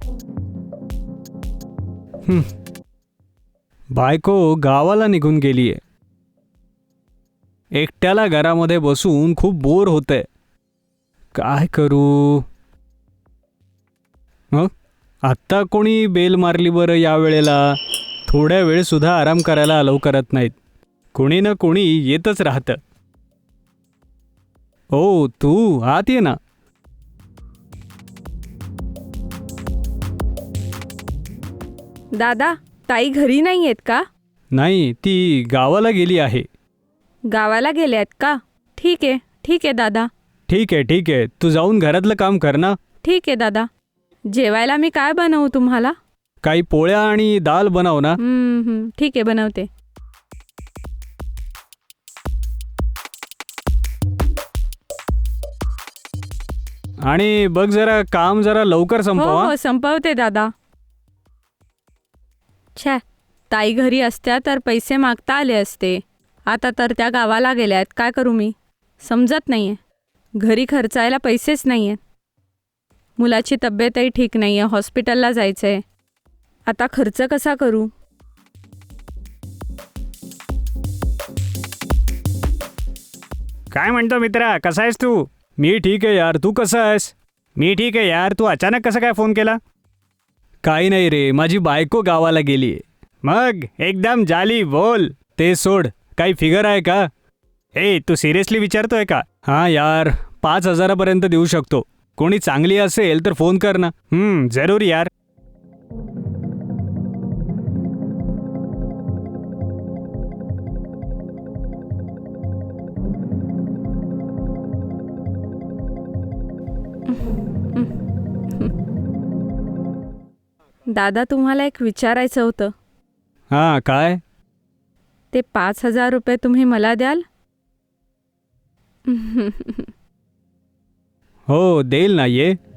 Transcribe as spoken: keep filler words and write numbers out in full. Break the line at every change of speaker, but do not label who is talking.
हं. बायको गावाला निघून गेलीये. एकट्याला घरामध्ये बसून खूप बोर होतंय. काय करू? हं? आत्ता कोणी बेल मारली बरं या वेळेला? थोड्या वेळ सुद्धा आराम करायला अलाव करत नाहीत. कोणी ना कोणी येतच राहतं. ओ तू आत ये ना.
दादा, ताई घरी नाही आहेत का?
नाही, ती गावाला गेली आहे.
गावाला गेले आहेत का? ठीक आहे ठीक आहे दादा.
ठीक आहे ठीक आहे, तू जाऊन घरातलं काम कर ना.
ठीक आहे दादा. जेवायला मी काय बनवू तुम्हाला?
काही पोळ्या आणि दाल बनव ना.
हम्म, हम्म, ठीक आहे बनवते.
आणि बघ जरा काम जरा लवकर
हो
संपवा.
हो संपवते दादा. छे, ताई घरी असत्या तर पैसे मागता आले असते. आता तर त्या गावाला गेल्या आहेत. काय करू मी? समजत नाही आहे. घरी खर्चायला पैसेच नाही आहेत. मुलाची तब्येतही ठीक नाही आहे. हॉस्पिटलला जायचं आहे. आता खर्च कसा करू?
काय म्हणतो मित्रा, कसा आहेस तू? मी ठीक आहे यार, तू कसा आहेस? मी ठीक आहे यार, तू अचानक कसं काय फोन केला? काही नाही रे, माझी बायको गावाला गेलीये. मग एकदम जाली बोल. ते सोड, काही फिगर आहे का? ए तू सिरियसली विचारतोय का? हां यार, पाच हजारापर्यंत देऊ शकतो. कोणी चांगली असेल तर फोन कर ना. हम्म जरूर यार.
दादा, तुम्हाला एक विचारायचं होतं.
हां काय?
ते पाच हजार रुपये तुम्ही मला द्याल?
हो देईल ना, ये.